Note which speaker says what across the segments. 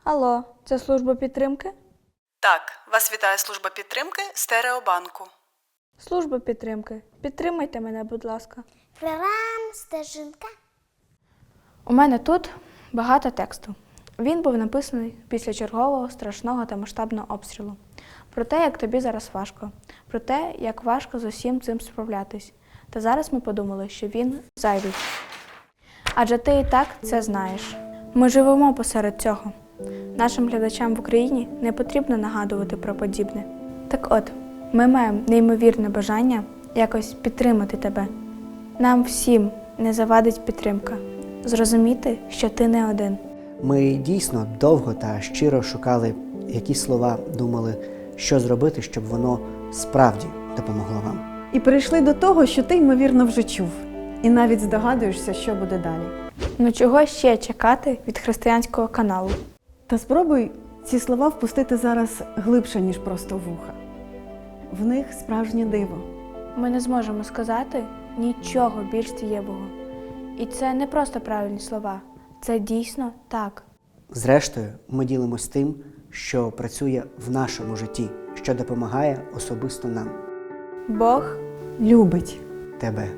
Speaker 1: Алло, це служба підтримки?
Speaker 2: Так, вас вітає служба підтримки Стереобанку.
Speaker 1: Служба підтримки. Підтримайте мене, будь ласка.
Speaker 3: Програм Стежинка.
Speaker 1: У мене тут багато тексту. Він був написаний після чергового страшного та масштабного обстрілу. Про те, як тобі зараз важко. Про те, як важко з усім цим справлятись. Та зараз ми подумали, що він зайвий. Адже ти і так це знаєш. Ми живемо посеред цього. Нашим глядачам в Україні не потрібно нагадувати про подібне. Так от, ми маємо неймовірне бажання якось підтримати тебе. Нам всім не завадить підтримка. Зрозуміти, що ти не один.
Speaker 4: Ми дійсно довго та щиро шукали якісь слова, думали, що зробити, щоб воно справді допомогло вам.
Speaker 5: І прийшли до того, що ти, ймовірно, вже чув. І навіть здогадуєшся, що буде далі.
Speaker 1: Ну чого ще чекати від християнського каналу?
Speaker 5: Та спробуй ці слова впустити зараз глибше, ніж просто в вуха. В них справжнє диво.
Speaker 1: Ми не зможемо сказати нічого більш дієвого. І це не просто правильні слова. Це дійсно так.
Speaker 4: Зрештою, ми ділимось тим, що працює в нашому житті, що допомагає особисто нам.
Speaker 1: Бог
Speaker 5: Любить.
Speaker 4: Тебе.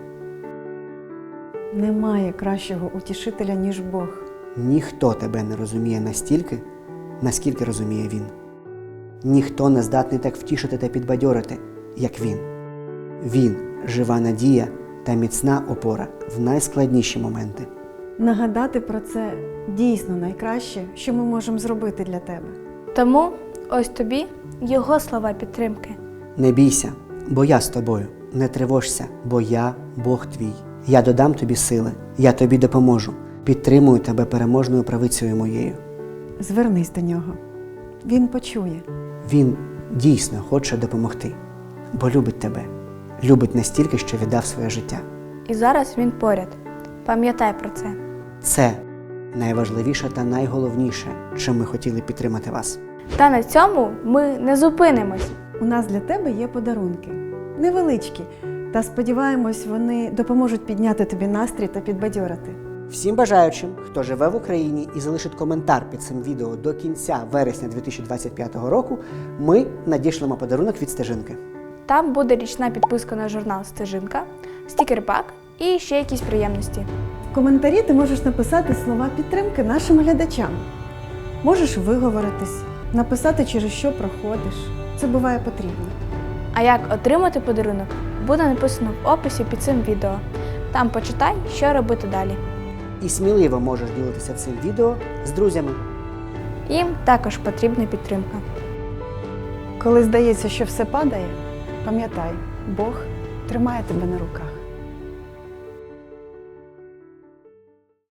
Speaker 5: Немає кращого утішителя, ніж Бог.
Speaker 4: Ніхто тебе не розуміє настільки, наскільки розуміє Він. Ніхто не здатний так втішити та підбадьорити, як Він. Він – жива надія та міцна опора в найскладніші моменти.
Speaker 5: Нагадати про це дійсно найкраще, що ми можемо зробити для тебе.
Speaker 1: Тому ось тобі його слова підтримки.
Speaker 4: Не бійся, бо я з тобою. Не тривожся, бо я – Бог твій. Я додам тобі сили, я тобі допоможу. Підтримую тебе переможною правицею моєю.
Speaker 5: Звернись до нього. Він почує.
Speaker 4: Він дійсно хоче допомогти, бо любить тебе. Любить настільки, що віддав своє життя.
Speaker 1: І зараз він поряд. Пам'ятай про це.
Speaker 4: Це найважливіше та найголовніше, чим ми хотіли підтримати вас.
Speaker 1: Та на цьому ми не зупинимось.
Speaker 5: У нас для тебе є подарунки. Невеличкі. Та сподіваємось, вони допоможуть підняти тобі настрій та підбадьорити.
Speaker 4: Всім бажаючим, хто живе в Україні і залишить коментар під цим відео до кінця вересня 2025 року, ми надішлемо подарунок від Стежинки.
Speaker 1: Там буде річна підписка на журнал «Стежинка», стікер-пак і ще якісь приємності.
Speaker 5: В коментарі ти можеш написати слова підтримки нашим глядачам. Можеш виговоритись, написати, через що проходиш. Це буває потрібно.
Speaker 1: А як отримати подарунок, буде написано в описі під цим відео. Там почитай, що робити далі.
Speaker 4: І сміливо можеш ділитися цим відео з друзями.
Speaker 1: Їм також потрібна підтримка.
Speaker 5: Коли здається, що все падає, пам'ятай, Бог тримає тебе на руках.